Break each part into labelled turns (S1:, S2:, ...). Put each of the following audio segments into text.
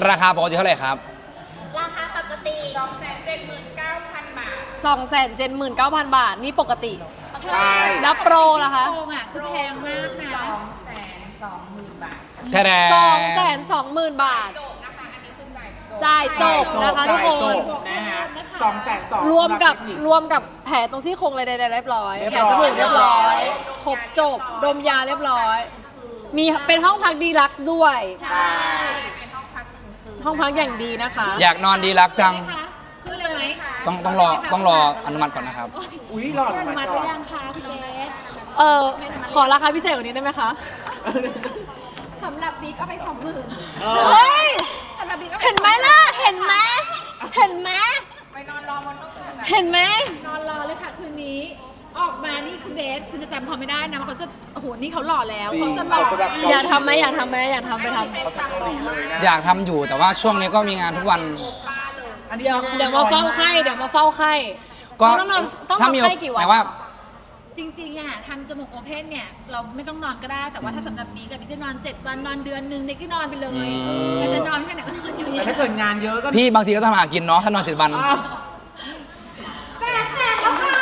S1: ราคาปกติเท่าไหร่ครับ
S2: ราคาปกติ 279,000 บาท
S3: 279,000 บาทนี่ปกติ
S4: ใช่
S3: แล้วโปรล่ะคะ
S2: โปรอ่ะคือแพงมากนะ 220,000 บาท
S1: แท้
S3: 220,000 บาท
S2: จบนะคะ อันนี้คือจ่ายจบ
S3: จ่ายจบนะคะทุกคน
S4: จ่ายจบนะฮะ200,000
S3: รวมกับแผลตรงซี่โครงอะไรใดๆเรียบร้อย
S4: เรียบ
S3: แผล
S4: ร้อย
S3: จมูกเรียบร้อยครบจบดมยาเรียบร้อย มีเป็นห้องพักดีลักซ์ด้วย
S2: ใช่ เป็นห้องพักหนึ่งคืน
S3: ห้องพักอย่างดีนะคะ
S1: อยากนอนดีรักจัง
S2: ขึ้นเลยไหม
S1: ต้องรออนุมัติก่อนนะครับ
S4: อุ้ยหลอด
S2: อนุ
S4: มา
S2: มัติ
S4: ก่
S2: ห
S4: อน
S2: รือยังคะคุณเบส
S3: ขอราคาพิเศษกว่านี้ได้ไหมคะ
S2: สำหรับบิ๊กเอาไป 20,000
S3: เฮ้ย
S2: สำหรับบิ๊กเอาไป
S3: เห็นไหมล่ะ เห็นไหม เห็นไหม
S2: ไปนอนรอบนห้องคืนอะ
S3: เห็นไหม
S2: นอนรอเลยค่ะคืนนี้ ออกมานี่คุณเบสคุณจะจำเขาไม่ได้นะเขาจะโอ้โหนี่เขาหล่อแล้ว
S4: จริง
S2: เขาจะหล่อ
S4: เขาจะแบบ
S3: อยากทำไหมอยากทำไหมอยากทำไปทำ
S4: เขาจะเกาหลีเลยนะ
S1: อยากทำอยู่แต่ว่าช่วงนี้ก็มีงานทุกวัน
S4: อันนี้
S3: เดี๋ยวมาเฝ้าไข้เดี๋ยวมาเฝ้าไข้
S1: ก็
S3: ต้องนอนต้อง
S1: ถ้าน
S3: อน
S1: มี
S3: ไข้กี่วัน
S1: หมายว่า
S2: จริงๆอะทำจมูกโอเพนเนี่ย เราไม่ต้องนอนก็ได้ แต่ว่าถ้าสำหรับบิ๊กกับบิ๊กจะนอน 7 วันนอนเดือนหนึ่งเด็กก็นอนไปเลยไม่จะนอนแค่ไหนก็นอนอยู่
S4: แต่ถ้าเกิดงานเยอะก็
S1: พี่บางทีก็ต้องหากินเนาะถ้านอน7 วัน
S4: อ้าว
S2: 800,000แล้วค่ะ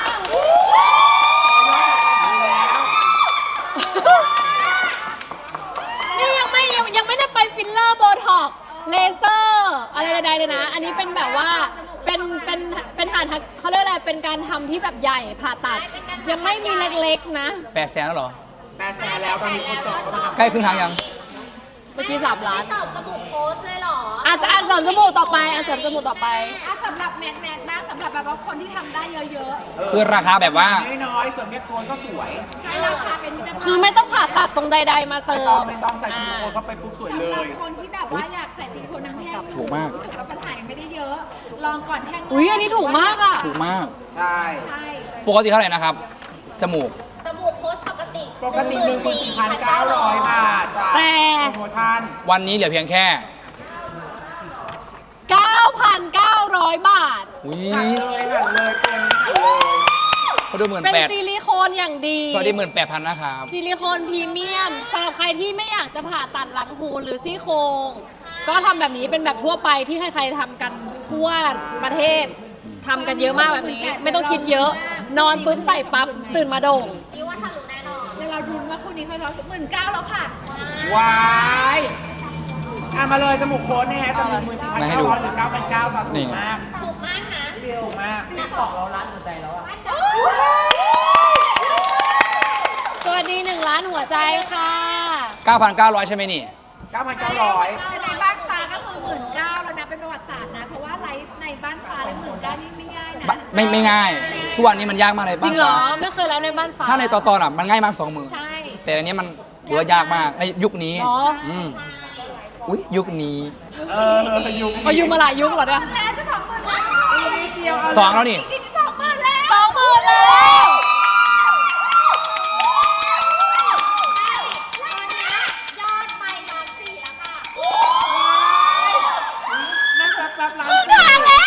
S3: นี่ยังไม่ได้ไปฟิลเลอร์โบท็อกเลเซอร์อะไรใดๆเลยนะ อันนี้เป็นแบบว่าเป็นฐานเขาเรียกอะไรเป็นการทำที่แบบใหญ่ผ่าตัด ยังไม่มีเล็กๆนะ
S1: 800,000แล้วเหรอ
S4: 800,000แล้วตอนนี้คนจองก็มา
S1: ใกล้ครึ่งทางยัง
S3: เมื่อกี้3 ล้าน
S2: เสิร์ฟจมูกโพสเลยเหรอ
S3: เสริมจมูกต่อไปเสริมจมูกต่อไป
S2: สำหรับแมทบ้างสำหรับแบบว่าคนที่ทำได้เยอะ
S1: คือราคาแบบว่า
S4: น้อยๆส่วนแค่โคนก็สวย
S2: ๆให้ราคาเป็นมิตรภาพ
S3: คือไม่ต้องผ่าตัดตรงใดๆมาเติ
S4: ไม่
S3: ม
S4: ต้องใส่ซิลิโคนเข้าไปปุ๊บสวยเล
S2: สำหรับ
S4: ย
S2: คนที่แบบว่าอยากใส่ซิลิโคนทั้งแท่ง
S1: ถูกมาก
S2: รู้สึว่าปัญหายังไม่ได้เยอะ ลองก่อนแท่ง
S3: อุ้ยอันนี้ถูกมากอ่ะ
S1: ถูกมาก
S4: ใช่
S2: ใช่
S1: ปกติเท่าไหร่นะครับ จมูก
S2: จมูกโพสปกติ
S4: ปกติ 14,900 บาทจ้ะ
S3: แต่
S4: โปรโมชั่น
S1: วันนี้เหลือเพียงแค่
S3: 9,900 บาท
S1: อุ้ย
S4: หันเลยตัวนี้หันเลย
S1: เขาดู
S3: เป็น
S1: 18,000
S3: ซิลิโคนอย่างดี
S1: สวัสดี18,000นะครับ
S3: ซิลิโคนพรีเมียมสำหรับใครที่ไม่อยากจะผ่าตัดหลังหูหรือซี่โครงก็ทำแบบนี้เป็นแบบทั่วไปที่ใครๆทำกันทั่วประเทศทำกันเยอะมากแบบนี้ ไม่ต้องคิดเยอะ นอนปุ๊บใส่ปั๊บตื่นมาโด่ง
S2: นี่ว่าทะลุแน่นอนเดี๋ยวเราดูว่าคู่นี้เขาท้อง19,000แล้วค่ะ
S4: ว้ายมาเลยจมูกโคนเนี่ยจะมี14,900 หรือ 9,900จ้ะถูกมาก
S2: ถูกมากนะ
S4: ถูกมากติ๊กตอกเราล้านหัวใจแล้วอ่ะ
S3: สวัสดี1 ล้านหัวใจค่ะ
S1: 9,900 ใช่ไหมนี่
S4: 9,900
S2: ในบ้านฟ้าก็คือ19,000แล้วนะเป็นประวัติศาสตร์นะ เพราะว่าไลฟ์ในบ้านฟ้าเลย19,000นี่ไม่ง่ายนะ
S1: ไม่ง่าย ทุกวันนี้มันยากมากเลย
S3: จริงเหรอ
S1: บ้านฟ้า
S3: ไม่เคยแล้วในบ้านฟ้า
S1: ถ้าในตอนอ่ะมันง่ายมาก2 มือ
S2: ใช่
S1: แต่อันนี้มันถือว่ายากมากในยุคนี้
S3: เหรอ
S1: อืมอุ้ยยุคนี้
S4: ยุค
S3: พออยู่มาหลายยุคเหรอเนี่ย
S2: แล้วจะ20,000แล้ว
S4: นิดเดียว
S1: 2 แล้วนี่
S2: นี่20,000แล้ว
S3: 20,000แล้ว
S2: ยอดไปล้านสี่แล้วค่ะ
S4: นั่งแป๊บๆล้าน
S3: ทางแล้ว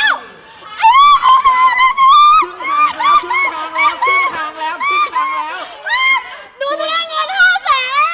S4: ครึ่งทางแล้วครึ่งทางแล้วครึ่งทางแล้วครึ่งทางแล้ว
S3: หนูจะได้เงิน500,000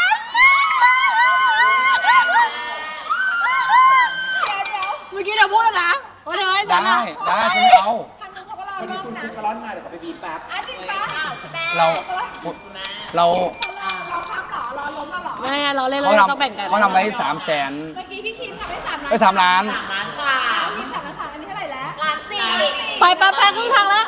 S3: เมื่อกี้เดี๋ยวพูดแล้วนะว่าเธอให้ฉัน
S1: ได้
S3: อะ
S1: ได้ฉันไม่เอา
S2: ทางนู้นเขาก็รอ
S4: วัน
S2: ร
S4: นี้
S2: อบ
S4: คุณ
S2: นะ
S4: กระร้อนมาเดี๋ยวเขาไปบีบแป๊บ
S2: จริงปะ
S1: เราเรา
S2: เราทำเหรอรอล้มมาเหรอ
S3: ไม่เราเล่น
S1: เขา
S3: เรา
S1: ท
S3: ต้องแบ่งกัน
S1: ำเขาทำไว้300,000
S2: เมื่อกี้พี่คิมทำได้3 ล้าน
S1: ไป3 ล้าน
S2: พี่คิม3 ล้านอันนี้เท่าไหร่แล้วล้านสี่
S3: ไปครึ่งทางแล้ว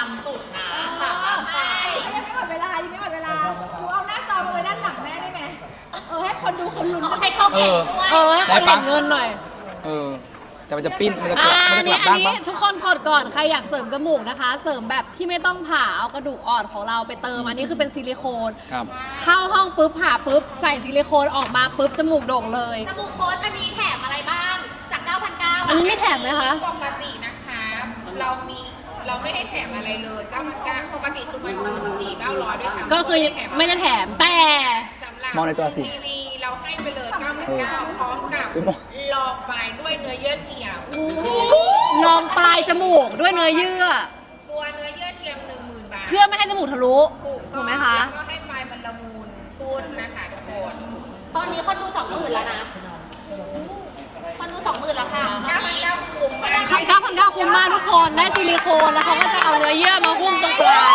S2: ยังไม่หมดเวลายังไม่หมดเวลากูเอาหน้าจอมาไว้ด้านหลังแม่ได้ไหมให้คนดูคนลุ้นให้เขา
S1: เอ
S2: เก่ง
S1: อ
S2: ด้วย
S3: ให้เขาแบ่งเงินหน่อย
S1: เออ แต่มันจะปิ้นมันจะกลับ
S3: อั
S1: มัน
S3: น
S1: จะก
S3: นี้
S1: ลับด้านปะ
S3: ทุกคนกดก่อนใครอยากเสริมจมูกนะคะ เสริมแบบที่ไม่ต้องผ่าเอากระดูกอ่อนของเราไปเติมอันนี้คือเป็นซิลิโคน
S1: ครับ
S3: เข้าห้องปุ๊บผ่าปุ๊บใส่ซิลิโคนออกมาปุ๊บจมูกโด่งเลย
S2: จมูกโค้ดอันนี้แถมอะไรบ้างจาก 9,900
S3: อันนี้ไม่แถมนะคะ
S5: ปกตินะคะเราไม่ได้แถมอะไรเลย9,900ปกติคือมัน4,900ด้วยซ้ำ
S3: ก็คือไม่ได้แถมแต่
S5: สำหรับ
S1: มองในจอสิ
S5: ทีวีเราให้ไปเลย9,900พร้อมกับ
S1: จะมอง
S5: ลองไปด้วยเนื้อเยื่อเทียม
S3: ลองปลายจมูกด้วยเนื้อเยื่อ
S5: ตัวเนื้อเยื่อเทียม 10,000 บาท
S3: เพื่อไม่ให้จมูกทะลุ ถูกไหมคะ
S5: แล้วก็ให้ปลายมันละมุนตุ้นนะคะทุกคน
S2: ตอนนี้คนดู 20,000แล้วนะคนดู
S5: แล้วค่ะ9,900คุ้มมาก
S3: 9,900คุ้มมากทุกคนได้ซิลิโคนแล้วเขาก็จะเอาเนื้อเยื่อมาหุ้มตรงปลาย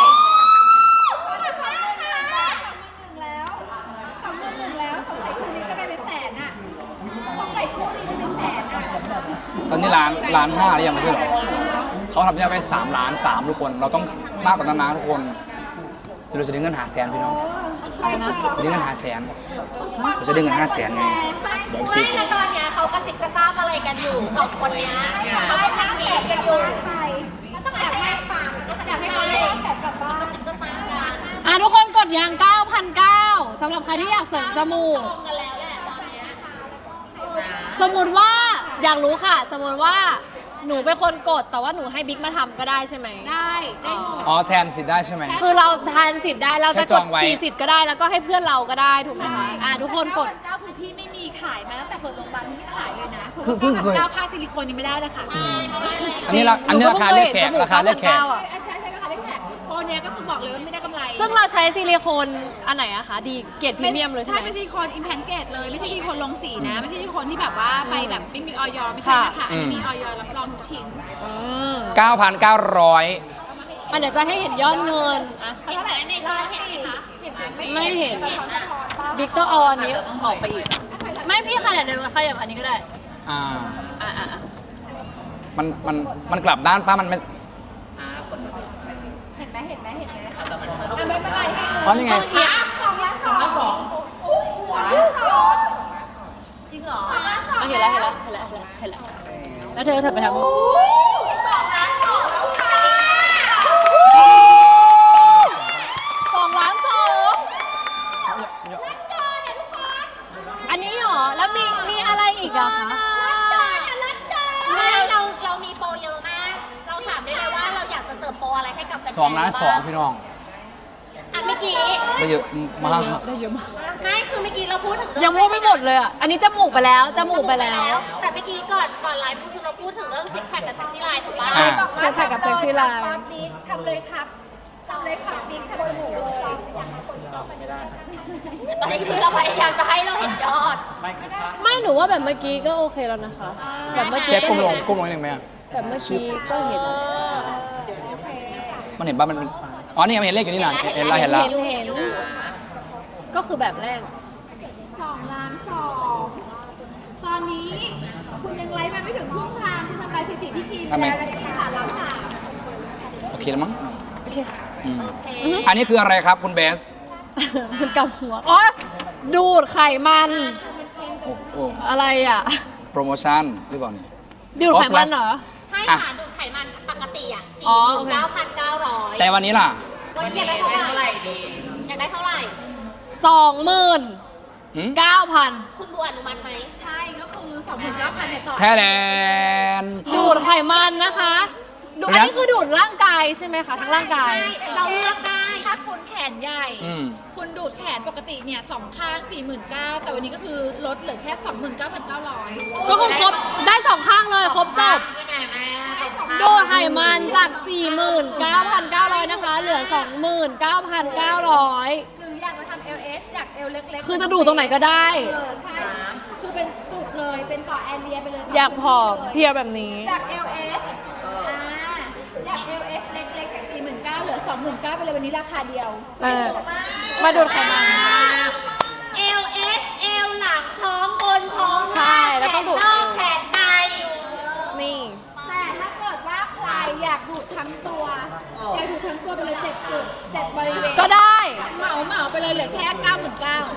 S2: แล้ว2,100,000แล้วสงสัยคู่นี้จะไปเป็นแสนอ่ะสงสัยคู่นี้จะเป็นแสนอ่ะ
S1: ตอนนี้ล้านห้าหรือยังไม่ใช่เหรอเขาทำยอดไป3 ล้าน 3ทุกคนเราต้องมากกว่านั้นนะทุกคนเดี๋ยวเราจะได้เงินหาแสนพี่น้องจะได้เงินหาแสนเราจะได้เงิน500,000ไงเดี๋ยวซิ
S3: ไม่แล้วตอนเนี้ยเขากระซิบกระซาบอะไรกันอยู่สองคนเนี้ยเขาก็ทักแอบกันอยู่
S2: อยากให้เขาได้แสนกลับบ้าน
S3: ทุกคนกดยาง 9,900 สำหรับใครที่อยากเสริมจมูกสมมุติว่าอยากรู้ค่ะ สมมุติว่าหนูเป็นคนกดแต่ว่าหนูให้บิ๊กมาทำก็ได้ใช่ไหม
S2: ได้หมด
S1: อ๋อแทนสิทธิ์ได้ใช่ไหม
S3: คือเราทานสิทธิ์ได้เราจะ
S1: แค่จ
S3: ก
S1: อ
S3: ด
S1: งไว้
S3: กี่สิทธิ์ก็ได้แล้วก็ให้เพื่อนเราก็ได้ถูกไหมคะทุกคนกด
S2: 9,900คือที่ไม่มีขายมาตั้งแต่เปิดโรงพยาบาลที่ไม่ขายเลยนะ
S1: คือเพิ่งเคย
S2: 9,900ค่าซิลิโคนยังไม่ได้เลยค่ะ
S1: อันนี้ราคาเลือกแขกราคาเลือกแขก
S2: ใช่ราคาเลือกแขกโปรเนี้ยก็คือบอกเลยว่าไม่ได้กำไร
S3: ซึ่งเราใช้ซิลิโคนอันไหนอะคะดีเกรดพรีเมียมเลยใช่
S2: ใช่
S3: ไหม
S2: เป็นซิลิโคนอิมแพนเกตเลยไม่ใช่ซิลิโคนลงสีนะ ไม่ใช่ซิลิโคนที่แบบว่าไปแบบไม่มีออยไม่ใช่นะคะอันนี้มีออยรับรองทุกชิ้น
S1: 9,900
S3: เดี๋ยวจะให้เห็นยอดเงินอะ
S2: เท่าไหร่ในจอเห็นไหมคะเห็นไหม
S3: ไม่เห็นบิ๊กต้องเอาอันนี้ออกไปอีก ไม่พี่ขนาดเดียวขยับอันนี้ก็ได้
S1: อ่า
S3: อ่ะ
S1: มันกลับด้านป้ามันไม่
S2: เห็นไหมไม่เป็นไรให้
S1: อ๋อนี่ไง
S2: จริงเหรอ
S3: เห็นแล้วแล้วเธอไปทำ 2,200,000อันนี้เหรอแล้วมีอะไรอีกอะคะ
S6: ไม่เรามีโปรเยอะมาก เราถามได้เลยว่าเราอยากจะเสิร์ฟโปรอะไรให้กับแฟนๆ
S1: 2 ล้าน 2พี่น้อง
S6: อันเมื่อกี้
S1: ได้เยอะมาก
S6: ไม่คือเมื่อกี้เราพูดถึงเรื่อง
S3: ยังพูดไม่หมดเลยอะอันนี้จมูกไปแล้ว
S6: แต่เมื่อกี้ก่อนไลฟ์คือเราพูดถึงเรื่องซิกแพคกับเซ็กซี่ไลน์ถูกปะ
S1: อ่า
S3: เซ็กแพคกับเซ็กซี่ไลน์
S2: บิ๊กทำเลยครับบิ๊กทำจมูกเลย
S6: ตอนนี้คือเราพยายามจะให้เราเห็นยอด
S3: ไม่หนูว่าแบบเมื่อกี้ก็โอเคแล้วนะคะ แบบเมื่อกี้
S1: เจ๊ก้มลงนิดนึงไหมอะ
S3: แบบเมื่อกี้ก็เห็น
S1: มันเห็นป่ะมันอ๋อนี่มันเห็นเลขอยู่นี่นะเห็นแล้ว
S3: เห็น ก็คือแบบแรก
S2: 2 ล้าน 2ตอนนี้คุณยังไลฟ์มาไม่ถึงครึ่งทางคุณทำลายสถิติที่ทีมแล้วค่ะล้าน
S1: โอเคแล้วมั้ง
S3: โอเค
S1: อืมอันนี้คืออะไรครับคุณเบส
S3: มันกำหัวอ๋อดูดไขมัน
S1: โอ้โห
S3: อะไรอ่ะ
S1: โปรโมชั่นหรือเปล่านี่
S3: ดูดไขมันเหรอ
S6: ใช่ค่ะดูดไขมันปกติอ่ะ
S3: อ๋อโอเค
S6: 49,900
S1: แต่วันนี้ล่ะ
S6: วันนี้อยากได้เท่าไหร่อยากได้เท่าไหร่
S3: 29,000
S6: คุณบัวอนุมัติไหม
S2: ใช่ก็คือ 29,000เนี่ยต่อ
S1: แท้แลน
S3: ดูดไขมันนะคะดูอันนี้คือดูดร่างกายใช่ไหมคะทั้งร่างกาย
S2: เราเลือกได้ถ้าคุณแขนใหญ่
S1: อืม
S2: คุณดูดแขนปกติเนี่ย2 ข้าง 49,000แต่วันนี้ก็คือลดเหลือแค่ 29,900
S3: ก็คือครบได้2ข้างเลยครบจบดูดไขมันจาก 49,900 นะคะ เหลือ 29,900
S2: หรืออยากมาทำ LS อยาก L เล็กๆ
S3: คือจะดูดตรงไหนก็ได้
S2: ใช่ คือเป็นจุดเลยเป็นต่อแอเรียไปเลย
S3: อยากผอมเพรียวแบบนี้
S2: จาก LS จาก LS เล็กๆจาก 49,000เหลือ 29,000ไปเลยวันนี้ราคาเดียว
S3: มาดูดไขมัน
S6: LS L หลังท้องบนท้อง
S3: ใช่แล้วต้องดูด
S6: นอกแขนใน
S3: นี่
S2: แต่ถ้าเกิดว่าใครอยากดูดทั้งตัวอยากดูดทั้งตัวไปเลย7 จุด 7 บริเวณ
S3: ก็ได้
S2: เหมาไปเลยเหลือแค่ 99,000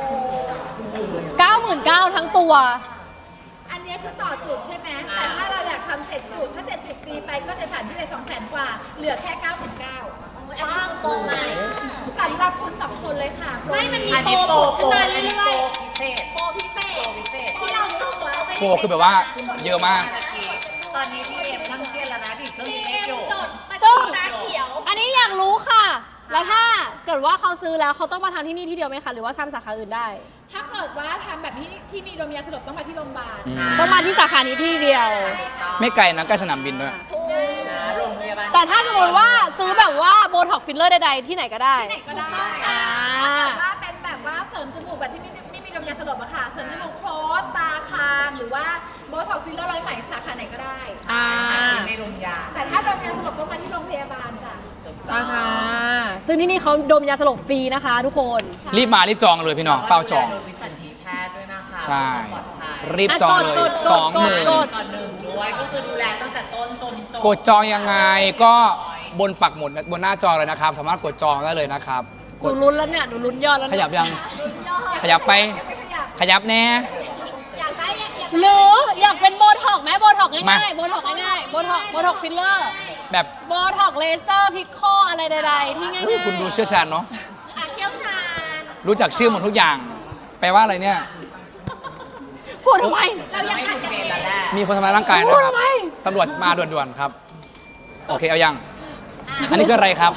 S3: 99,000ทั้งตัว
S2: อันนี้คือต่อจุดใช่ไหมแต่ถ้าเราอยากทำ7 จุดถ้า7 จุดตีไปก็จะฐานที่เลย200,000 กว่า เหลือแค่ 99,000
S6: อันนี้คือโปรใหม่
S2: สำหรับคุณ2 คนเลยค่ะ
S6: ไม่มันมีโปรขึ้นมาเรื่อยๆโปรพิเศษที่เราดูแล้ว
S1: โปรคือแบบว่าเยอะมาก
S5: ตอนนี้พี่เอ็มนั่งเครียดแล้วนะดิเครื่องนี้อยู่
S3: ซึ่ง
S6: ตาเขียว
S3: อันนี้อยากรู้ค่ะ แล้วถ้าเกิดว่าเขาซื้อแล้วเขาต้องมาทำที่นี่ที่เดียวไหมคะ หรือว่าทำสาขาอื่นได้
S2: ถ้าเกิดว่าทำแบบที่มีโรงพยาบาลสลบต้องมาที่โรงพยาบาล
S3: ต้องมาที่สาขานี้ที่เดียว
S1: ไม่ไกลนะใกล้สนามบินด้วย
S5: โรงพยาบาล
S3: แต่ถ้าสมมติว่าซื้อแบบว่าโบท็อกฟิลเลอร์ใดๆที่ไหนก็ได้
S2: ที่ไหนก็ได้
S3: อ่า
S2: ถ้าเกิดว่าเป็นแบบว่าเสริมจมูกแบบที่ไม่มีโรงพยาบาลสลบอะค่ะ เสริมจมูกโคสตาคางหรือว่าโบท็อกฟิลเลอร์ร้อยไหมสาขาไหนก็ได้
S5: ในโรงยา
S2: แต่ถ้าโดนยาสลบต้องมาที่โรงพยาบาลจ้ะ
S3: นะคะซึ่งที่นี่เขาดมยาสลบฟรีนะคะทุกคน
S1: รีบมารีบจองเลยพี่น้องเฝ้าจอง
S5: โดยวิสัญญีแพทย์ด้วยนะคะ
S1: ใช่
S5: ปลอดภัย
S1: รีบจองเลย
S3: กด
S1: 20,000
S3: กด
S5: ก่อนหนึ่งด้วยก็คือดูแลตั้งแต่ต้นจนจบ
S1: กดจองยังไงก็บนปักหมุดบนหน้าจอเลยนะครับ สามารถกดจองได้เลยนะครับ
S3: หนูลุ้นแล้วเนี่ยหนูลุ้นยอดแล้ว
S1: ข
S3: เนี่ย
S1: ยับยัง ขยับไป ขยับแน่
S3: หรืออยากเป็นโบท็อกไหมโบท็อก
S1: มา
S3: ง่ายๆโบท็อกง่ายๆโบท็อกฟิลเลอร์
S1: แบบ
S3: โบท็อกเลเซอร์พิคโคอะไรใดๆที่ง่ายๆ
S1: คุณดูเชี่ยวชาญเนาะ
S6: เชี่ยวชาญ
S1: รู้จักชื่อหมดทุกอย่าง แปลว่าอะไรเนี่ย
S3: พูดทำไม
S5: เราให้คุณเบนแล้วแหละ
S1: มีคนทำร้ายร่างกายนะ
S3: พูด
S1: ครับ
S3: ทำไม
S1: ตำรวจมาด่วนๆครับ โอเคเอายัง อันนี้คืออะไรครับ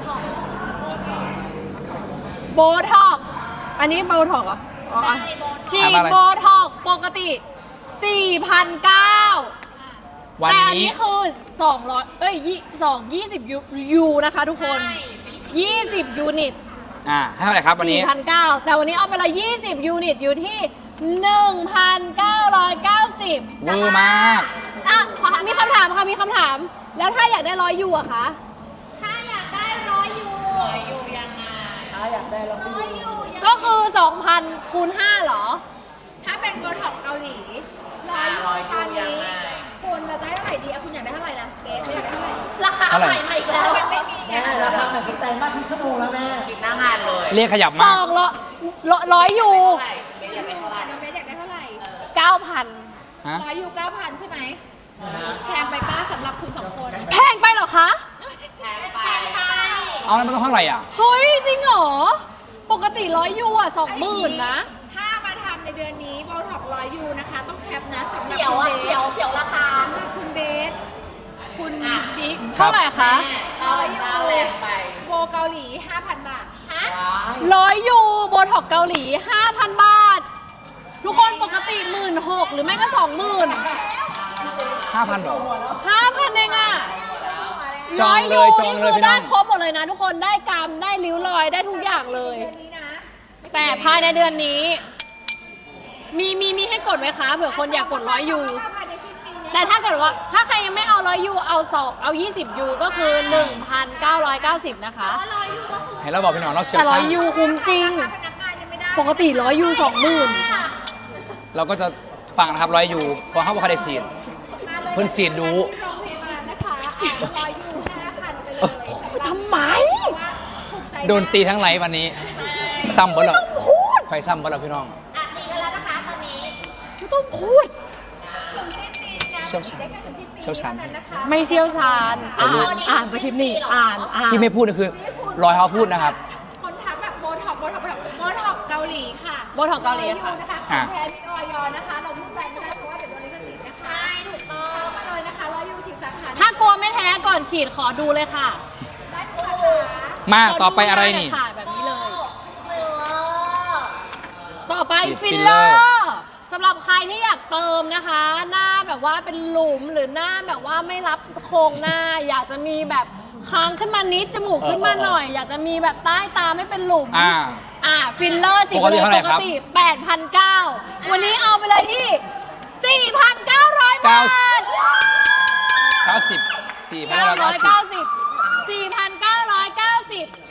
S3: โบท็อกอันนี้โบท็อกเหรออ๋อฉีด
S1: อ่านว่าอะไร
S3: โบท็อกปกติ 4,900
S1: วัน
S3: แต่อัน
S1: นี้
S3: นี้คือ20020 ยูนะคะทุกคน 20 ยูนิต
S1: ให้เท่าไหร่ครับวันนี้
S3: 4,900 แต่วันนี้เอาไปเลย20 ยูนิตอยู่ที่ 1,990
S1: เวอร์มาก
S3: อ่ะมีคำถามค่ะมีคำถาม แล้วถ้าอยากได้100 ยูอะคะ
S6: ถ้าอยากได้100 ยู
S5: อยู่ยังไง
S6: 100 ยู
S3: ก็คือ 2,000 คูณ 5เหรอ
S2: ถ้าเป็นโบท็อกเกาหลีร้อยตอนนี้คุณเราจะให้เท่าไหร่ดีอะคุณอยากได้เท่าไหร่ล่ะเกรซอยากได้เท่าไหร่
S6: ราคา
S1: เท่าไหร่
S6: ใหม่ๆอีกแล้ว
S2: ยังไม่มีไง
S4: ราคาเหมือนแต่งมาทุกชั่วโมงแล้วแม่
S5: คิดหน้างานเลย
S1: เรียกขยับมาก
S3: 100 ยู
S5: เท่าไหร่เบนอยากได้เท่าไหร่
S2: น้องเบสอยากได้เท่าไหร่
S3: 9,000
S1: ฮะ
S2: ร้อยยู9,000 ใช่ไหมแพงไปป้าสำหรับคุณสองคน
S3: แพงไปเหรอคะ
S5: แพงไป
S1: เอาแล้วมันต้องเท่าไหร่อ่ะ
S3: เฮ้ย จริงเหรอ ปกติ100 ยูอะ20,000 นะ
S2: ถ้ามาทำในเดือนนี้โบท็อกร้อยยูนะคะต้องแคปนะสำหรับ
S6: เสียว
S2: คุณ
S6: อ่ะ
S2: เบส
S6: เสียวราคา
S2: สำหรับคุณเบสคุณบิ๊ก
S1: ครับ
S3: เท่าไหร่คะ
S5: เอาเป็นเก้าแรงไป
S2: โบเกาหลี 5,000 บาท
S6: ฮะ
S3: 100 ยูโบท็อกเกาหลี 5,000 บาท ทุกคนปกติ 16,000 หรือไม่ก็ 20,000
S1: 5,000หรอ
S3: 5,000เองอะ
S1: จองเลย
S3: 100
S1: จองเลย
S3: นี่คือ
S1: พี่น้
S3: ได้
S1: อง
S3: ครบหมดเลยนะ ทุกคนได้กรรมได้ริ้วรอยได้ทุกอย่างเลย
S2: เดือนนี้นะ
S3: แต่ภายในเดือนนี้ มีให้กดไหมคะเผื่อคนอยากกด100 ยู
S2: ถ้าภายในสิ้นปีนี้
S3: แต่ถ้าเกิดว่าถ้าใครยังไม่เอา100 ยูเอา20 ยูก็คือ 1,990 นะคะ
S2: ร้อยยูก็คุ้ม
S1: เห็นเราบอกพี่น้องเราเชี่ยว
S3: แต่
S1: ชาญ
S3: 100 ยูคุ้มจริง
S2: พนักงานยังไม่ได้
S3: ปกติ100 ยู 20,000
S1: เราก็จะฟังนะครับ100 ยูเพราะเขาบอกเขาได้ซีน
S2: มาเลย
S1: เพิ่นฉีดดู
S2: ที่โรงพยาบาลนะคะร้อยยู5,000ไปเลย
S3: ทำไม
S2: ถูกใจ
S1: โดนตีทั้งไลฟ์วันนี้ ซ้ำบ่เหรอไฟซ้ำบ่เหรอพี่น้อง
S6: อ่ะตีกันแล้วนะคะตอนนี้
S3: ไม่ต้องพูด
S1: เชี่ยวชาญเชี่ยวชาญ
S3: ไม่เชี่ยวชาญ อ่านสคริปต์นี่อ่าน
S1: ที่ไม่พูดนี่คือรอยเขาพูดนะครับ
S2: คนทักแบบโบท็อกเกาหลีค่ะ
S3: โบท็อกเกาหลีค่ะ
S2: นะคะของแท้มีออยนะคะ เราพูดไปไม่ได้เพราะว่าเดี๋ยวโดนลิขสิทธิ์นะคะ
S6: ใช่ถูกต้อง
S2: มาเลยนะคะร้อยยูฉีดสาขา
S3: ถ้ากลัวไม่แท้ก่อนฉีดขอดูเลยค่ะ
S2: ได้ทุกสาขา
S1: มาต่อไปอะไรนี่
S3: ขอดูหาแบบนี้เลย
S6: เออ
S3: ต่อไป
S1: ฉีด
S3: ฟิล
S1: ฟิล
S3: เล
S1: เล
S3: อ
S1: อร์
S3: ร์สำหรับใครที่อยากเติมนะคะ หน้าแบบว่าเป็นหลุมหรือหน้าแบบว่าไม่รับโครงหน้า อยากจะมีแบบค้างขึ้นมานิดจมูกขึ้นมาหน่อย อยากจะมีแบบใต้ตาไม่เป็นหลุม ฟิลเลอร์สิ
S1: ปกติเท่าไหร่
S3: ป
S1: ค
S3: ก
S1: รับ
S3: ติ 8,900 วันนี้เอาไปเลยที่ 4,900 บาท
S1: 90 4,990
S3: 4,990
S1: ใช่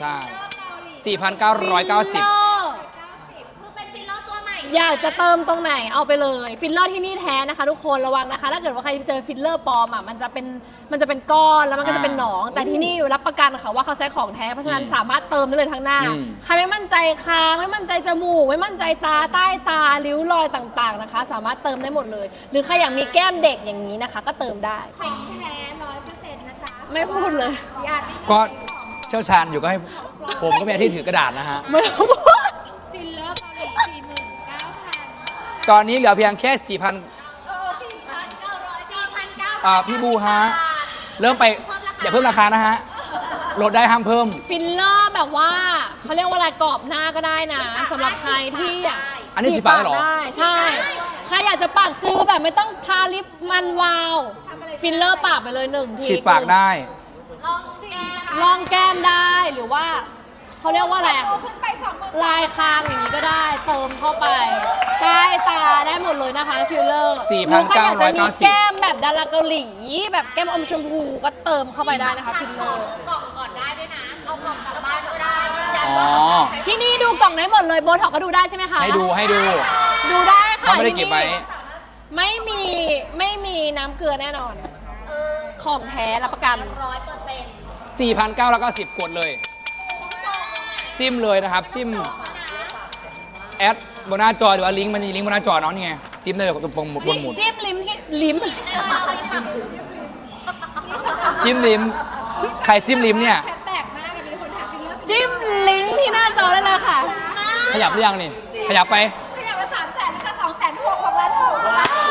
S1: 4,990
S6: คือเป็นฟิลเลอร์ตัวใหม่
S3: อยากจะเติมตรงไหนเอาไปเลยฟิลเลอร์ที่นี่แท้นะคะทุกคนระวังนะคะ ถ้าเกิดว่าใครเจอฟิลเลอร์ปลอมอ่ะมันจะเป็นก้อนแล้วมันก็จะเป็นหนอง แต่ที่นี่รับประกันค่ะว่าเขาใช้ของแท้เพราะฉะนั้นสามารถเติมได้เลยทั้งหน้า ใครไม่มั่นใจคางไม่มั่นใจจมูกไม่มั่นใจตาใต้ตาริ้วรอยต่างๆนะคะ สามารถเติมได้หมดเลย หรือใครอยากมีแก้มเด็กอย่างนี้นะคะ ก็เติมได้
S2: ของแท้100%นะจ๊ะ
S3: ไม่พูดเลย
S2: ญาติ
S1: ก็เชี่ยวชาญอยู่ก็ให้ผมก็มีอาที่ถือกระดาษนะฮะ
S3: ไม่ต้องพูด
S2: ฟิลเลอร์เกาหลี49,000
S1: ตอนนี้เหลือเพียงแค่ 4,000
S6: 4,900
S1: พี่บูฮะ เริ่มไปอย่าเพิ่มราคานะฮะ ลดได้ห้ามเพิ่ม
S3: ฟิลเลอร์แบบว่าเขาเรียกว่าอะไรกรอบหน้าก็ได้นะสำหรับใครที่อยาก
S1: อันนี้ฉีดปากได้เหรอ
S3: ได้ใช่ ใครอยากจะปากจือแบบไม่ต้องทาลิปมันวาวฟิลเลอร์ปากไปเลย1 ที
S1: ฉีดปากได้
S6: ลองแก้
S3: ลองแก้มได้หรือว่าขเขาเรียกว่าอะไร
S2: ขึ้นไป20,000
S3: ลายคางอย่างนี้ก็ได้เติมเข้าไปใต้ตาได้หมดเลยนะคะฟิลเลอร์
S1: 4,990
S3: ใครอยากจะมีแก้มแบบดาราเกาหลีแบบแก้มอมชมพูก็เติมเข้าไปได้นะคะฟิลเลอร์
S6: กล่องก่อนได้ด้วยนะ เอากล่องกลับบ้านก็ได้ยืนยัน
S1: อ๋อ
S6: ว่า
S3: ที่นี่ดูกล่องได้หมดเลยโบท็อกก็ดูได้ใช่ไหมคะ
S1: ให้ดู
S3: ดูได้ค่ะ
S1: เขาไม่ได้เก็บไว้
S3: ไม่มีน้ำเกลือแน่นอน ของแท้รับประกัน
S6: 100%
S1: 4,990 กดเลย จิ้มเลยนะครับ จิ้มแอดบนหน้าจอหรือว่าลิงก์มันมีลิงก์บนหน้าจอเนาะนี่ไงจิ้มได้เลยกับตรงบนหมุด
S3: จิ้มลิ้มที่ลิ้ม
S1: จิ้มลิ้มใครจิ้มลิ้มเนี่ย
S2: แชทแตกมากมีคนถามฟิลเลอร์
S3: จิ้มลิงก์ที่หน้าจอได้เลยค่ะ
S1: ขยับหรือยังนี่ ขยับไป
S2: ขยับมา300,000แล้วก็260,000ของร้านถูก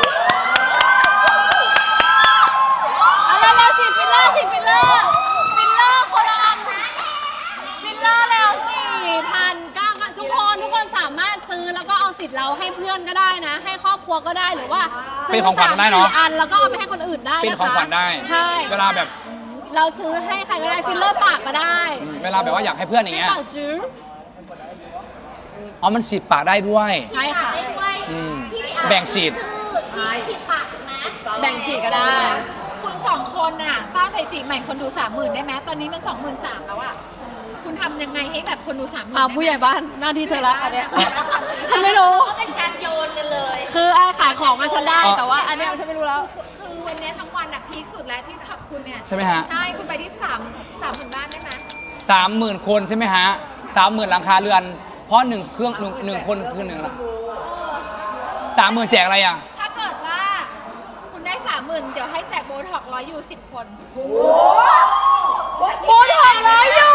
S3: เอาแล้วฉีดฟิลเลอร์ฟิลเลอร์คนละอันฟิลเลอร์แล้ว4,900ทุกคนสามารถซื้อแล้วก็เอาสิทธิ์เราให้เพื่อนก็ได้นะ ให้ครอบครัวก็ได้หรือว่าซื้
S1: เป็นของขวัญได้เนอะ
S3: 3-4 อันแล้วก็เอาไปให้คนอื่นได้นะคะ
S1: เป็นของขวัญได้
S3: ใช่
S1: เวลาแบบ
S3: เราซื้อให้ใครก็ได้ฟิลเลอร์ปากก็ได้
S1: เวลาแบบว่าอยากให้เพื่อนอย่าง
S3: ไม่
S1: เงี้ย
S3: ปากจื้อ
S1: อ๋อมันฉีดปากได้ด้วย
S3: ใช่ค่ะ
S6: ได้ด้วย
S1: อืม
S6: ที่พี่อาร์
S1: แบ่งฉีด
S6: คือที่ฉีดปากถูกไหม
S3: แบ่งฉีดก็ได้
S2: คุณ2 คนน่ะสร้างสถิติใหม่คนดู 30,000 ได้ไหมตอนนี้มัน 23,000 แล้วอ่ะคุณทำยังไงให้แบบคนดู 30,000
S3: อ่าผู้ใหญ่บ้านหน้าที่เธอละอันเนี้ย ฉันไม่รู้
S6: ก็เป็นการโยนกันเลย
S3: คือไอ้ขายของมาฉันได้แต่ว่าอันเนี้ยฉันไม่รู้แล้ว
S2: คือวันนี้ทั้งวันอ่ะพีคสุดแล้วที่ช็อปคุณเนี่ย
S1: ใช่ไหมฮะ
S2: ใช่คุณไปที่30,000 บ้านได้ไหม
S1: 30,000 คนใช่ไหมฮะ 30,000 หลังคาเรือน เพราะ1เครื่องหนึ่งคนคือ1ละ30,000 แจกอะไรอ่ะ
S2: ถ้าเกิดว่าคุณได้ 30,000 เดี๋ยวให้แจกโบท็อก100อยู่10 คน
S3: โบท็อกร้อยอยู่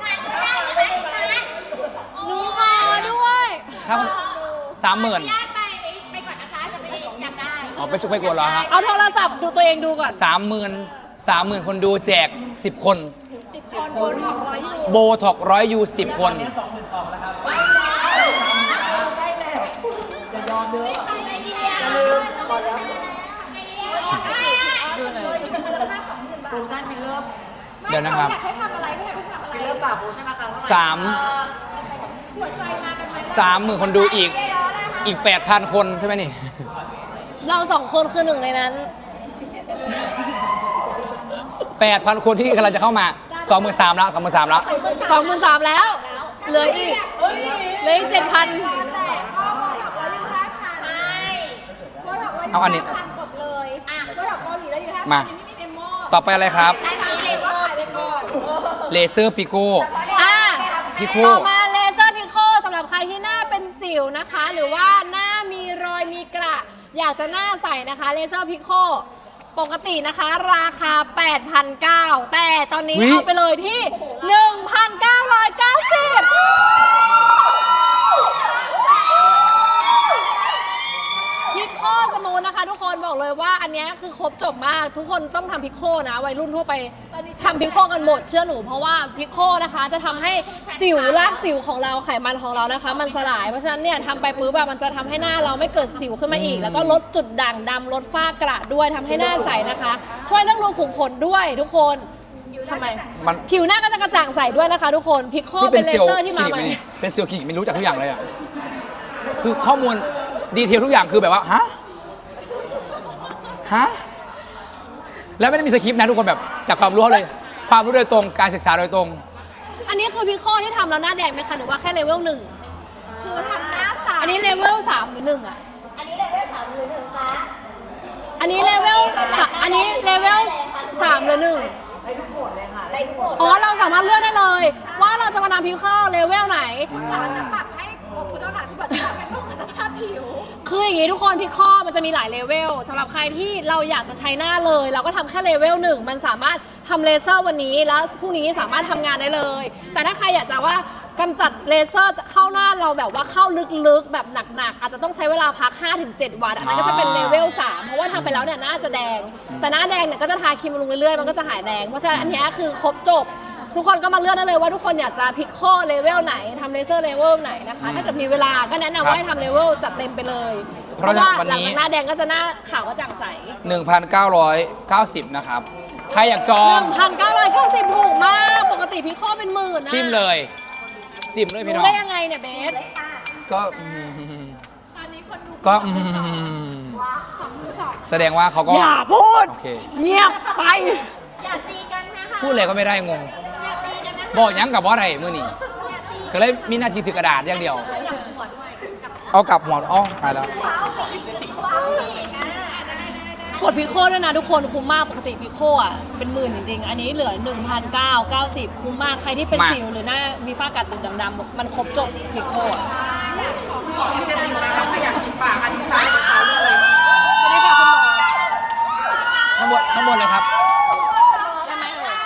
S3: หนูขอด้วย
S1: ถ้า 30,000
S6: ญาติไปก่อนนะคะ จะไปอยากได้
S1: อ๋อไปจุกไปกดเหรอฮะ
S3: เอาโทรศัพท์ดูตัวเองดูก่อน
S1: 30,000 คนดูแจก 10 คน
S2: 10 คนโบท็อก100อยู่
S1: โบท็อก100 ยู10 คน
S4: เนี่ย22,000แล้วครับ
S6: อย่าลืมก่อนแล้ว
S3: ดูหน่อย
S4: โปรโมชั่นฟิลเลอร์
S1: เดี๋ยวนะครับ
S2: อยากให้ทำอะไรไม่อยากให้ทำอะไร
S4: ฟิลเลอร์ปากโปรโมชั่นราคาเท่าไหร่
S2: หัวใจมาเป็นไหม
S1: 30,000 คนดูอีก 8,000 คนใช่ไหมนี่
S3: เราสองคนคือหนึ่งในนั้น
S1: 8,000 คนที่กำลังจะเข้ามา 23,000 แล้ว 23,000 แล้ว
S3: 23,000แล้ว เหลืออีก7,000
S2: แจกก็โบท็อก100อยู่5,000
S6: ใช่
S2: โบท็อก100อยู่
S1: เอาอันนี้
S2: 5,000กดเลยโบท็อกเกาหลีแล้วอยู่5,000
S1: มา
S2: อันนี้ไม่มีเมมโม
S1: ต่อไปอะไรครับ
S6: ได้ทั้งเลเซอร์
S2: ขายไปก่อน
S1: เลเซอร์ปิโก้
S3: อ่ะ
S1: พิโค
S3: ต่อมาเลเซอร์พิโคสำหรับใครที่หน้าเป็นสิวนะคะ หรือว่าหน้ามีรอยมีกระอยากจะหน้าใสนะคะเลเซอร์พิโคปกตินะคะ ราคา 8,900 แต่ตอนนี้
S1: อุ๊ย
S3: เอาไปเลยที่ 1,990 พิโคสมูทนะคะทุกคนบอกเลยว่าอันเนี้ยคือครบจบมากทุกคนต้องทำพิโคนะวัยรุ่นทั่วไปทำพิโคกันหมดเชื่อหนูเพราะว่าพิโคนะคะจะทำให้สิวรากสิวของเราไขมันของเรานะคะ มันสลายเพราะฉะนั้นเนี่ยทำไปปุ๊บแบบมันจะทำให้หน้าเราไม่เกิดสิวขึ้นมาอีก แล้วก็ลดจุดด่างดำลดฝ้ากระด้วยทำให้หน้าใสนะคะ ช่วยเรื่องรูขุมขนด้วยทุกคนทำไม
S1: มัน
S3: ผิวหน้าก็จะกระจ่างใสด้วยนะคะ ทุกคนพิโค
S1: นี่
S3: เป็
S1: เป็น น
S3: เล
S1: เซลล์
S3: เซอร์ที่
S1: คลิ
S3: มา
S1: นิก
S3: ให
S1: ไหม
S3: ม่
S1: นี่เป็นเซลล์คลินิกไม่รู้จักทุกอย่างเลยอ่ะ คือข้อมูลดีเทลทุกอย่างคือแบบว่า ฮะ ฮะ แล้วไม่ได้มีสคริปต์นะทุกคนแบบจากความรู้เลย ความรู้โดยตรง การศึกษาโดยตรง
S3: อันนี้คือพิโคที่ทำแล้วหน้าแดงไหมคะหรือว่าแค่เลเวล1
S2: คือทำหน้าใส
S3: อันนี้เลเวล3หรือ1อ่ะ
S6: อันนี้เลเวล3หรือ1คะ
S3: อันนี้เลเวล3หรือ1
S6: ได้ทุกหมด
S3: อ๋อเราสามารถเลือกได้เลย ว่าเราจะมาทำพิโคเลเวลไหน
S2: เราจะปรับให้คุณต้องถามที่บอกว่าเป็นต้องคุณภาพผิว
S3: คืออย่างนี้ทุกคนพิโคมันจะมีหลายเลเวลสำหรับใครที่เราอยากจะใช้หน้าเลย เราก็ทำแค่เลเวล1มันสามารถทำเลเซอร์วันนี้แล้วพรุ่งนี้สามารถทำงานได้เลย แต่ถ้าใครอยากจะว่ากำจัดเลเซอร์เข้าหน้าเราแบบว่าเข้าลึกๆแบบหนักๆอาจจะต้องใช้เวลาพัก 5-7 วันอันนั้นก็จะเป็นเลเวล3เพราะว่าทำไปแล้วเนี่ยหน้าจะแดง แต่หน้าแดงเนี่ยก็จะทาครีมบำรุงเรื่อยๆมันก็จะหายแดงเพราะฉะนั้นอันนี้คือครบจบ ทุกคนก็มาเลือกได้เลยว่าทุกคนอยากจะพิโคเลเวลไหนทำเลเซอร์เลเวลไหนนะคะถ้าเกิดมีเวลาก็แนะนำว่าให้ทำเลเวลจัดเต็มไปเลย เพราะว่าหลังจากหน้าแดงก็จะหน้าขาวกระจ่างใส
S1: 1,990 นะครับ ใครอยากจอง
S3: 1,990ถูกมาก ปกติพิโคเป็นหมื่นนะ
S1: จิ้มเลยจิ้มเลยพี่น้
S3: รู้
S1: อง
S3: ได้ยังไงเนี่ยเบส
S1: ก็
S2: ตอนนี้คนดู
S1: ก็แสดงว่าเขาก็
S3: อย่าพูด
S1: โอเค
S3: เงียบไป
S6: อย่าตีกันนะคะ
S1: พูดอะไรก็ไม่ได้งง
S6: อย่าตีกันนะคะ
S1: บอกยังกับว่าอะไรมื่อนี้
S6: อย่าตี
S1: ก็เลยมีหน้าที่ถือกระดาษอย่างเดียว
S6: อย่าหัวด้วยกับ
S1: เอากลับหัวอ๋อหายแล้ว
S3: กดพิโคด้วยนะทุกคนคุ้มมากปกติพิโคอ่ะเป็นหมื่นจริงๆ อันนี้เหลือ 1,990 คุ้มมากใครที่เป็นสิวหรือหน้ามีฝ้ากัดจุดดำๆมันครบจบพิโคอ่ะ
S4: พี่เจนอยู่นะครับถ้าอยากฉีดปากอันนี้ซ้ายของเขาเลย
S3: สวัสดีค่ะคุณหมอ
S1: ข้างบนเลยครับ
S3: ใช่ไหม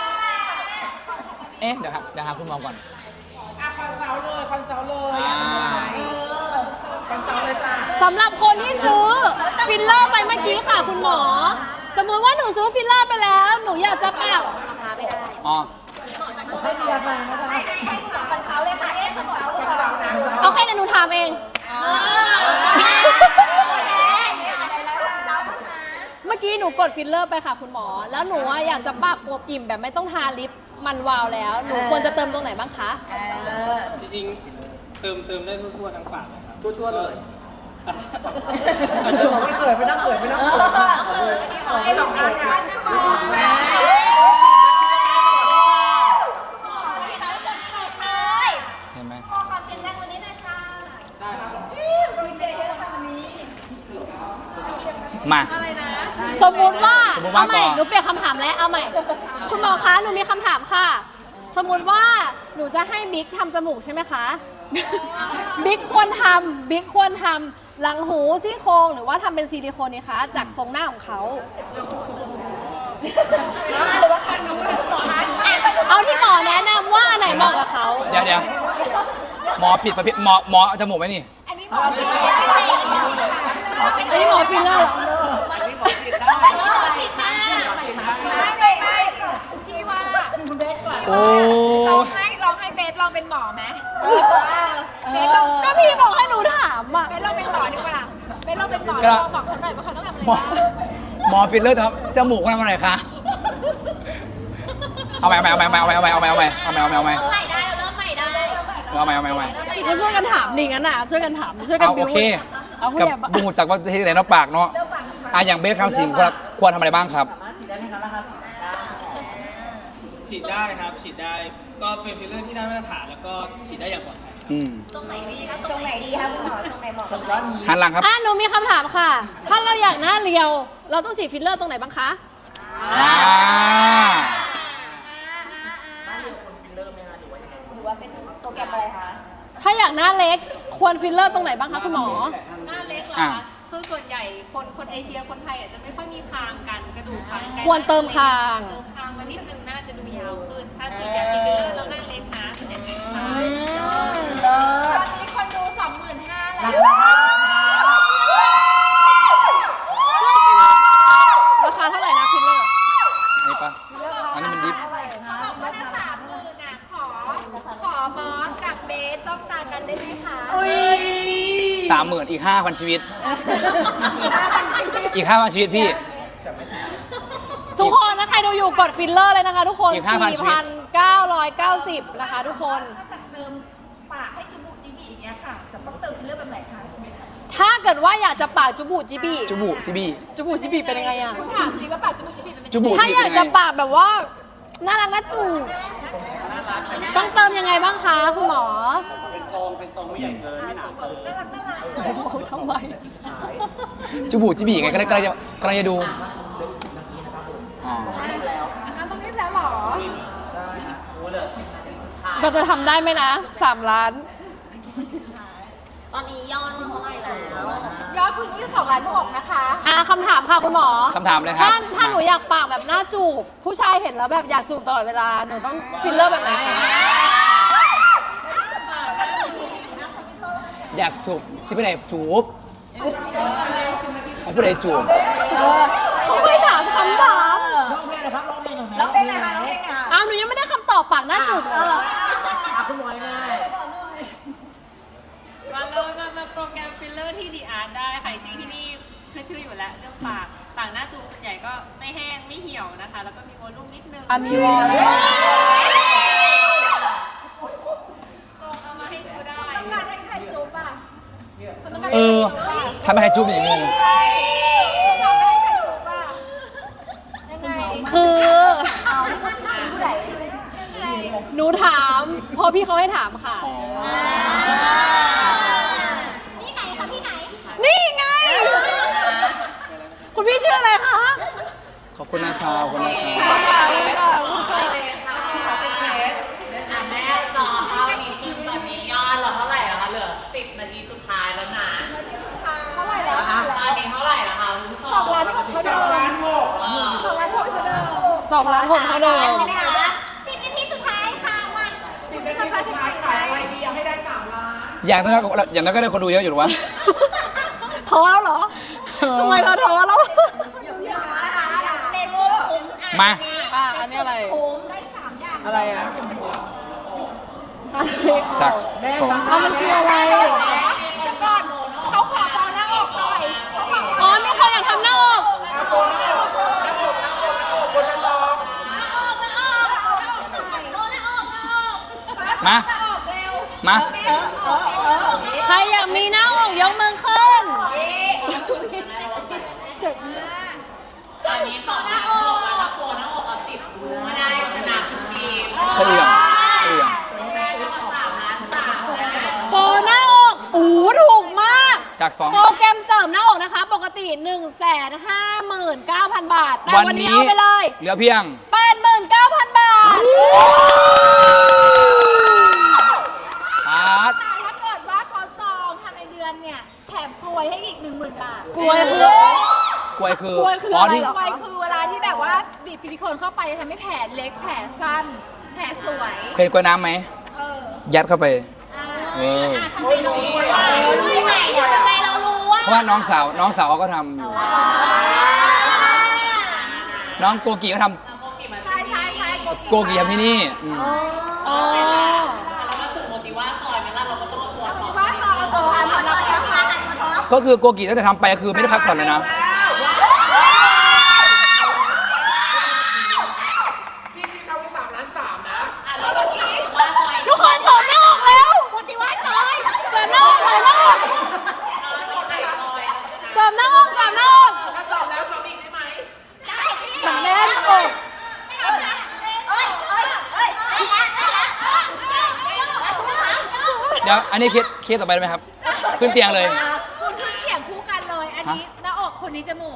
S3: เอ่ย
S1: เอ๊ะเดี๋ยวครับเดี๋ยวหาคุณหมอก่อน
S4: อ่ะคอนซัลท์เลยคอนซัลท์เลยคอนซัลท์เลยจ้า
S3: สำหรับคนที่ซื้อฟิลเลอร์ไปเมื่อกี้ค่ะคุณหมอ สมมุติว่าหนูซื้อฟิลเลอร์ไปแล้ว หนูอยากจะปาก
S1: อ๋อ
S3: เอาให้หนูถามเอง เมื่อกี้หนูกดฟิลเลอร์ไปค่ะคุณหมอ แล้วหนูว่าอยากจะปากอวบอิ่มแบบไม่ต้องทาลิปมันวาวแล้ว หนูควรจะเติมตรงไหนบ้างคะ
S7: จริงๆเติมได้ทั่วๆทั้งปากเลยครับ
S4: ทั่วๆเลย
S7: ไม่เขินไม่ต้องเขินไม่ต้องเขิน
S4: ไอ้สองอันเนี่ย
S1: เห็นไหมมา
S3: สมมุติว่า
S1: สมมุติว่า
S3: เอาใหม่
S1: ก่อน
S3: หนูเปลี่ยนคำถามแล้วเอาใหม่ คุณหมอคะหนูมีคำถามค่ะ สมมุติว่าหนูจะให้บิ๊กทำจมูกใช่ไหมคะ บิ๊กควรทำหลังหูซี่โครงหรือว่าทำเป็นซิลิโคนนี่คะจากทรงหน้าของเขาเอาที่หมอแนะนำว่าอันไหนเหมาะกับเขา
S1: เดี๋ยวหมอผิดประเภทหมอเอาจมูกไหมนี่
S3: อันนี้หมอฟิลเลอร์เหรอ
S2: พี่ว่า
S1: โอ้
S2: ลองให้เบสลองเป็นหมอไหม
S3: เบสก็พี่บอกให้หนูถามอ่ะ
S2: เบสลองเป็นหมอดีกว่าเบสลองเป็นหมอ
S1: ก็
S2: ลองบอกเขาหน่อยว่าเขาต้องทำอะไร
S1: หมอ
S2: บ้าง
S1: หมอฟิลเลอร์ครับจมูกเขาทำอะไรคะเอาไป
S6: เริ่มใหม่ได้เริ่มใหม่ได้
S3: ก็ช่วยกันถามดิงั้นอ่ะช่วยกันถามช่วยกัน
S1: เอา
S3: บิ
S1: โอ
S3: ว
S1: เค
S3: เอาผู้
S1: กับ
S3: ใหญ่บ้าน
S1: บูจากว่าจะเห็นไหนเนาะปากเนาะอย่างเบสคำสิงควรทำอะไรบ้างครับ
S7: ฉีดได้ครับ ฉีดได้ ก็เป็นฟิลเลอร์ที่ได้มาตรฐานแล้วก็ฉีดได้อย่างปลอดภัยครับ
S1: อืม
S6: ตรงไหนดีครับตรงไหนดีครับคุณหมอตรงไหนเหมาะกับเรา
S1: หันหลังครับ
S3: อ่ะหนูมีคำถามค่ะ ถ้าเราอยากหน้าเรียว เราต้องฉีดฟิลเลอร์ตรงไหนบ้างคะ
S1: อ่า
S3: ถ้าอยากหน้าเล็กควรฟิลเลอร์ตรงไหนบ้างคะคุณหมอ
S2: หน้าเล็กเหรอ
S1: อ่ะ
S2: คะคือส่วนใหญ่คนเอเชียคนไทยอาจจะไม่ค่อยมีคางกันกระดูกคางกัน
S3: ควรเติมคาง
S2: เติมคางมานิดนึงน่าจะดูยาวขึ้นถ้าฉีดยาฉีดฟิลเลอร์แล้วหน้าเล็กนะส่วนใหญ่เป็นคางตอนนี้คนดู 25,000 แล้ว
S3: ราคาเท่าไหร่นะฟิลเลอร์
S1: อันนี้ปะอันนี้มันดิฟ
S2: ก็ถ้า30,000น่ะขอบอสกับเบสจ้องตากันได้ไหมคะ
S1: 30,000อีก 5,000 ชีวิต อีก 5,000 ชีวิตพี่
S3: ทุกคนนะใครดูอยู่กดฟิลเลอร์เลยนะคะทุกคน
S1: อีก5,000ชีวิต
S3: 4,990 นะคะทุกคน
S4: ปากให้จมูกจีบีอย่างเงี้ยค่ะแต่ต้องเติมฟิลเลอร์แบบไหนคะ
S3: ถ้าเกิดว่าอยากจะปากจุบูจิบี
S1: จูบูจีบี
S3: จุบูจิบีเป็นยังไงอะ
S2: คุณถามจริงว่าปากจมูกจิบบิมันเป็น
S1: จูบู
S3: ถ้า
S1: จี
S3: อ
S1: บี
S3: ยาก
S1: เป็น
S3: จะ
S1: ไง
S3: ปากแบบว่าน่ารักน่าจูบต้องเติมยังไงบ้างคะคุณหมอ
S7: เป็นทรงไม่ใหญ่เกิน ไม่หนาเกิน
S3: ทำไม
S1: จูบูจีบีไงก็เลยกำลังจะดูอ๋อ
S2: ต้องรีบแล้วเหรอ
S3: เราจะทำได้ไหมนะ 3 ล้าน
S6: ตอนนี้ยอดเท่าไหร่แล้ว
S2: ยอดพึ่งที่2.6 ล้านนะคะ
S3: คำถามค่ะคุณหมอ
S1: คำถามเลยครับ
S3: ถ้าหนูอยากปากแบบหน้าจูบ ผู้ชายเห็นแล้วแบบอยากจูบตลอดเวลา หนูต้องฟิลเลอร์แบบไหนคะ
S1: อยากจูบชิไปไหนจูบเอาผู้ใดจูบ
S3: เขาไม่ถามคำถาม
S4: ร้องเพลงหน่อยครับร้องเพลงหน่อยร้องเพลงหน่อยค่ะร้องเพลงหน่อย
S3: หนูยังไม่ได้คำตอบปากหน้าจูบเลย
S4: คุณหมอยังไง
S2: มาโปรแกรมฟิลเลอร์ที่ดีอาร์ตได้ค่ะจริงๆที่นี่คือชื่ออยู่แล้วเรื่องปากหน้าจูบส่วนใหญ่ก็ไม่แห้งไม่เหี่ยวนะคะ แล้วก็มีวอลลุ่มนิดนึง
S3: มีวอล
S2: ทรงประม
S1: ทำให้ใครจุ๊บอย่างงง
S3: คือหนูถามเพราะพี่เขาให้ถามค่ะ
S6: ที่ไหนคะที่ไหน
S3: นี่ไง คุณพี่ชื่ออะไรคะ
S1: ขอบคุณนะครับขอบคุณนะครับ
S5: แม่จอเท่านี้คือตอนนี้ยอดเราเท่าไหร่แล้วคะเหลือ10 นาทีสุดท้ายแล้วนะเท่าไหร่แล้วตอนนี้เท่าไหร่แล้วคะคุณผู้ชม2 ล้าน 6เท่าเดิม2 ล้าน 6เท่าเดิม
S3: 2 ล้าน 6เท่าเดิม
S6: นะคะ10 นาทีสุดท้ายค่ะมา
S4: 10 นาทีสุดท้ายขายอะไรดีเอาให้ได้3 ล้าน
S1: อย่างนั้นก็ได้คนดูเยอะอยู่หรอวะ
S3: ท้อแล้วเหรอทำไมเราท้อแล้ว
S6: เป็นลูกคุ้ม
S1: มา
S3: อันนี้อะไร
S6: คุ้มได้3 อย่าง
S4: อะไรอ่ะ
S1: จากสอง
S3: มันคืออะไร
S6: ก่อนเขาขอตอนหน้าอกหน่อย
S3: อ๋อมีคนอยากทำหน้าอก
S1: มา มา
S3: ใครอยากมีหน้าอกยกมือขึ้น
S5: ตอนนี้2 ล้าน 6แล้วถ้าโปรหน้าอกเอา10ดูก็ได้ชนะทุกทีม
S1: เคยอย่าง
S5: แม่ก็3 ล้าน 3นะ
S3: โปรหน้าอกถูกมาก
S1: จากสอง
S3: โปรแกรมเสริมหน้าอกนะคะ ปกติ 159,000 บาท แต่วันนี้เอาไปเลย
S1: เหลือเพียง
S3: 89,000 บาท
S1: ครับ
S2: แต่ถ้าเกิดว่าเขาจองทำในเดือนเนี่ยแถมกลวยให้อีก 10,000 บาท
S3: กล้วยคือก
S1: ล้วยคือ
S3: ล้วยคืออะไร
S1: ที่
S3: เหรอ
S2: กลวยคือเวลาที่แบบว่าบีบซิลิโคนเข้าไปจะทำให้แผลเล็กแผลสั้น แผลสวย
S1: เคยกล้วยน้ำไหม
S2: เออ
S1: ยัดเข้าไป เออ
S6: ทำไมเรารู้ว่าทำไมเรารู้ว่า
S1: เพราะว่าน้องสาวเขาก็ทำอยู่ น้องโกกีก็ท
S2: ใช่ใช่ใช่
S1: ำโกกีทำที่นี่อืม
S3: อ๋อ
S5: เรามาสู่โมติว่าจอยไหมล่ะเราก็ต้องเอาตัวท็อป
S2: ว่าจองเอาตัวอันเราจะมา
S1: ก็คือโกกีตั้งแต่ทำไปคือไม่ได้พักผ่อนเลยนะ
S4: พี่ที่เขาไป3 ล้าน 3นะ
S5: แล้วเราคิดว่าจอย
S3: ทุกคนเสริมหน้าอกแล้ว
S6: ปฏิวัติจอย
S3: เสริมหน้าอกเสริมหน้าอก
S5: คนไหนจอย
S3: เสริมหน้าอกเสริมหน้าอก
S4: ถ้า2 แล้ว2อีกได้ไหม
S6: ได้สิ
S3: เหมือนแน่นอก
S1: เดี๋ยวอันนี้เคสต่อไปได้ไหมครับ ขึ้นเตียงเลย
S2: คุณขึ้นเขียงคู่กันเลย อันนี้หน้าอกคนนี้จมูก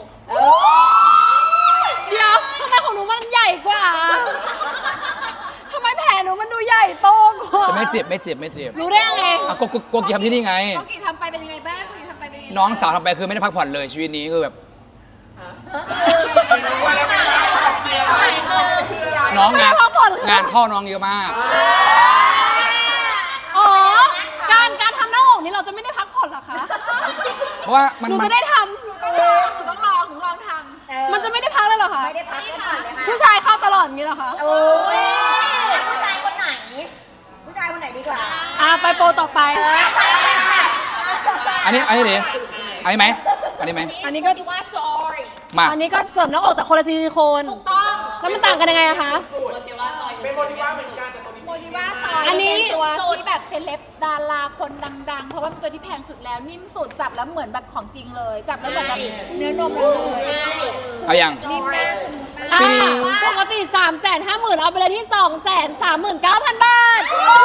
S3: เดี๋ยวทำไมของหนูมันใหญ่กว่าทำไมแผลหนูมันดูใหญ่โตกว่า
S1: แต่ไม่เจ็บไม่เจ็บไม่เจ็บ
S3: รู้ได้ยังไง
S1: อ่ะโกกีทำที่นี่ไง
S2: โกกีทำไปเป็นยังไงบ้างโกกีทำไปเป็นยังไง
S1: น้องสาวทำไปคือไม่ได้พักผ่อนเลยชีวิตนี้คือแบบ น้องงานเข้าน้องเยอะมาก
S3: อ๋อ การทำหน้าอกนี่เราจะไม่ได้พักผ่อนเหรอคะ
S1: เพราะว่ามัน
S3: หนู
S1: มัน
S3: จะได้ท
S2: หนูต้องลองหนูลองท
S3: ำมันจะไม่ได้พักเลยเหรอคะ
S6: ไม่ได้พักก่อนเลยค่ะ
S3: ผู้ชายเข้าตลอดอย่างนี้เหรอคะ
S6: โอ้ยผู้ชายคนไหน ผู้ชายคนไหนดีกว่า
S3: ไปโปรต่อไป
S1: อันนี้ดิอันนี้ไหมอันนี้ไหม
S3: อันนี้ก็
S6: ปฏิวัติจอย
S1: มา
S3: อันนี้ก็เสริมหน้าอกแต่คนละซิลิโคน
S6: ถูกต้อง
S3: แล้วมันต่างกันยังไงอะคะ
S5: โมติว่าจอย
S4: เป็นโมดิว่าเหมือนกันแต่ตัวนี้
S2: ำโมดิว่าจอย
S3: อันนี้
S2: เป็นตัวที่แบบเซเลบดาราคนดังๆ เพราะว่าเป็นตัวที่แพงสุดแล้วนิ่มสุดจับแล้วเหมือนแบบของจริงเลย จับแล้วเหมือนแบบเนื้อนมเลย
S1: เอาอย่าง
S2: นิ่มมากสมูทมาก
S3: ปกติ 350,000เอาไปเลยที่ 239,000 บาท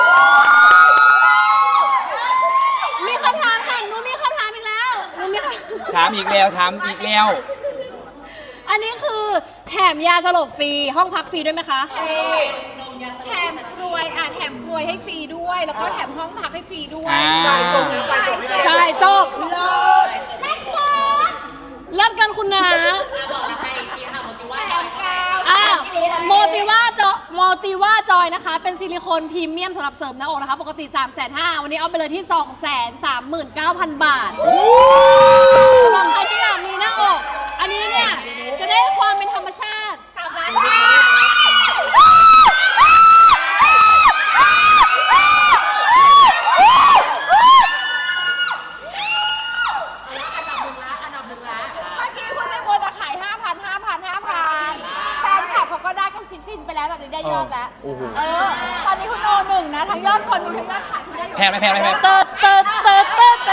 S3: มีคำถามค่ะหนูมีคำถามอีกแล้วหนูมีคำ
S1: ถามอีกแล้วถามอีกแล้ว
S3: อันนี้คือแถมยาสลบฟรี ห้องพักฟรีด้วยไหมคะ
S2: แถมกลวยแถมกลวยให้ฟรีด้วย แล้วก็แถมห้องพักให้ฟรีด้วย
S1: อ่า
S3: จ่ายจบเลิศกันคุณนะ
S5: บอกนะคะอีกทีค่ะโมติว่าจอย
S3: โมติว่าจอยนะคะ เป็นซิลิโคนพรีเมียมสำหรับเสริมหน้าอกนะคะ ปกติ 350,000วันนี้เอาไปเลยที่ 239,000 บาทสำหรับใครที่อยากมีหน้าอก อันนี้เนี่ย จะได้ความเป็นธรรมชาติ
S2: เมื่อกี้คุณในโบจะขาย 5,000 แฟนคลับเขาก็ได้แค่ฟินๆไปแล้วตอนนี้ได้ยอดแล้ว
S1: โอ้โห
S2: ตอนนี้คุณโนหนึ่งนะ ทั้งยอดคนดูทั้งยอดขายคุณได้อยู่
S1: แพงไหม
S3: เติร์ด